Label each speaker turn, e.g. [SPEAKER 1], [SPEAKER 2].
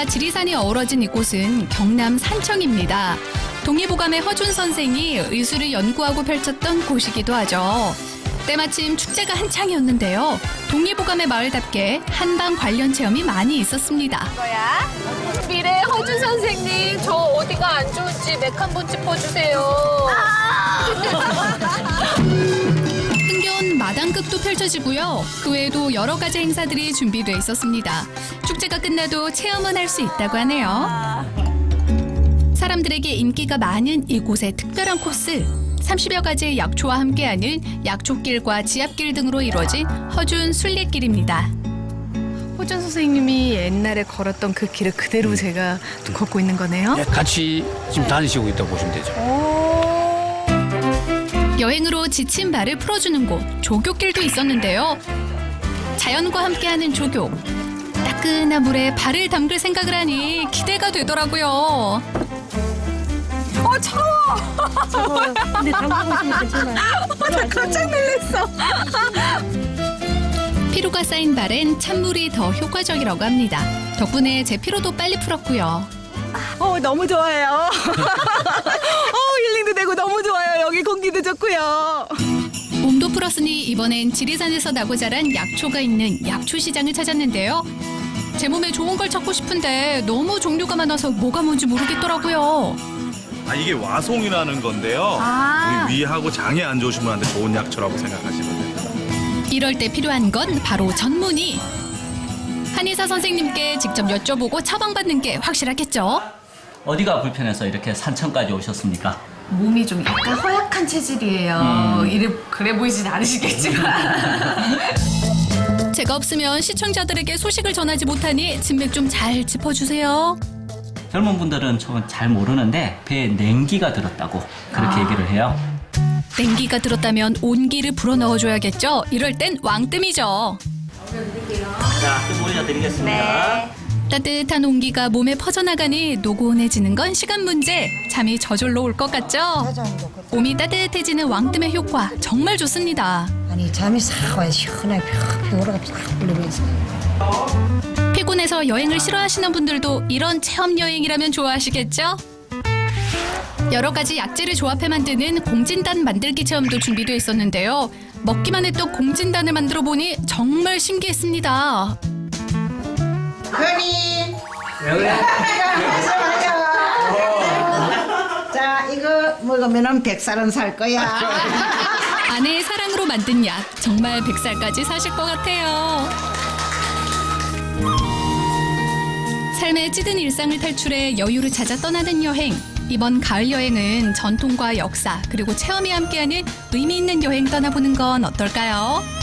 [SPEAKER 1] 호수와 지리산이 어우러진 이곳은 경남 산청입니다. 동의보감의 허준 선생이 의술을 연구하고 펼쳤던 곳이기도 하죠. 때마침 축제가 한창이었는데요. 동의보감의 마을답게 한방 관련 체험이 많이 있었습니다.
[SPEAKER 2] 거야? 미래 허준 선생님, 저 어디가 안 좋은지 맥 한번 짚어주세요.
[SPEAKER 1] 흥겨운 마당극도 펼쳐지고요. 그 외에도 여러 가지 행사들이 준비돼 있었습니다. 축제가 끝나도 체험은 할 수 있다고 하네요. 사람들에게 인기가 많은 이곳의 특별한 코스. 30여 가지의 약초와 함께하는 약초길과 지압길 등으로 이루어진 허준 순례길입니다.
[SPEAKER 3] 호준 선생님이 옛날에 걸었던 그 길을 그대로 제가 걷고 있는 거네요.
[SPEAKER 4] 같이 지금 다니시고 있다고 보시면 되죠.
[SPEAKER 1] 여행으로 지친 발을 풀어주는 곳, 조교길도 있었는데요. 자연과 함께하는 조교. 따끈한 물에 발을 담글 생각을 하니 기대가 되더라고요.
[SPEAKER 3] 차가워요. 근데 담궈보시면 괜찮아요. 나 깜짝 놀랐어.
[SPEAKER 1] 피로가 쌓인 발엔 찬물이 더 효과적이라고 합니다. 덕분에 제 피로도 빨리 풀었고요.
[SPEAKER 3] 너무 좋아요. 힐링도 되고 너무 좋아요. 여기 공기도 좋고요.
[SPEAKER 1] 몸도 풀었으니 이번엔 지리산에서 나고 자란 약초가 있는 약초시장을 찾았는데요. 제 몸에 좋은 걸 찾고 싶은데 너무 종류가 많아서 뭐가 뭔지 모르겠더라고요.
[SPEAKER 5] 이게 와송이라는 건데요. 우리 위하고 장에 안 좋으신 분한테 좋은 약초라고 생각하시면 됩니다.
[SPEAKER 1] 이럴 때 필요한 건 바로 전문의. 한의사 선생님께 직접 여쭤보고 처방받는 게 확실하겠죠?
[SPEAKER 6] 어디가 불편해서 이렇게 산청까지 오셨습니까?
[SPEAKER 3] 몸이 좀 약간 허약한 체질이에요. 그래 보이진 않으시겠지만.
[SPEAKER 1] 제가 없으면 시청자들에게 소식을 전하지 못하니 진맥 좀 잘 짚어주세요.
[SPEAKER 6] 젊은 분들은 저건 잘 모르는데 배에 냉기가 들었다고 그렇게 얘기를 해요.
[SPEAKER 1] 냉기가 들었다면 온기를 불어넣어줘야겠죠? 이럴 땐 왕뜸이죠.
[SPEAKER 6] 자, 좀 올려드리겠습니다.
[SPEAKER 1] 따뜻한 온기가 몸에 퍼져나가니 노곤해지는 건 시간 문제. 잠이 저절로 올 것 같죠? 몸이 따뜻해지는 왕뜸의 효과 정말 좋습니다.
[SPEAKER 7] 아니 잠이 싹 와요. 시원하게 피로가 싹 풀리면서.
[SPEAKER 1] 피곤해서 여행을 싫어하시는 분들도 이런 체험 여행이라면 좋아하시겠죠? 여러 가지 약재를 조합해 만드는 공진단 만들기 체험도 준비되어 있었는데요. 먹기만 했던 공진단을 만들어 보니 정말 신기했습니다.
[SPEAKER 7] 허니.
[SPEAKER 6] 왜 그래?
[SPEAKER 7] 자 이거 먹으면은 100살은 살 거야.
[SPEAKER 1] 아내의 사랑으로 만든 약 정말 100살까지 사실 것 같아요. 삶의 찌든 일상을 탈출해 여유를 찾아 떠나는 여행. 이번 가을 여행은 전통과 역사 그리고 체험이 함께하는 의미 있는 여행 떠나보는 건 어떨까요?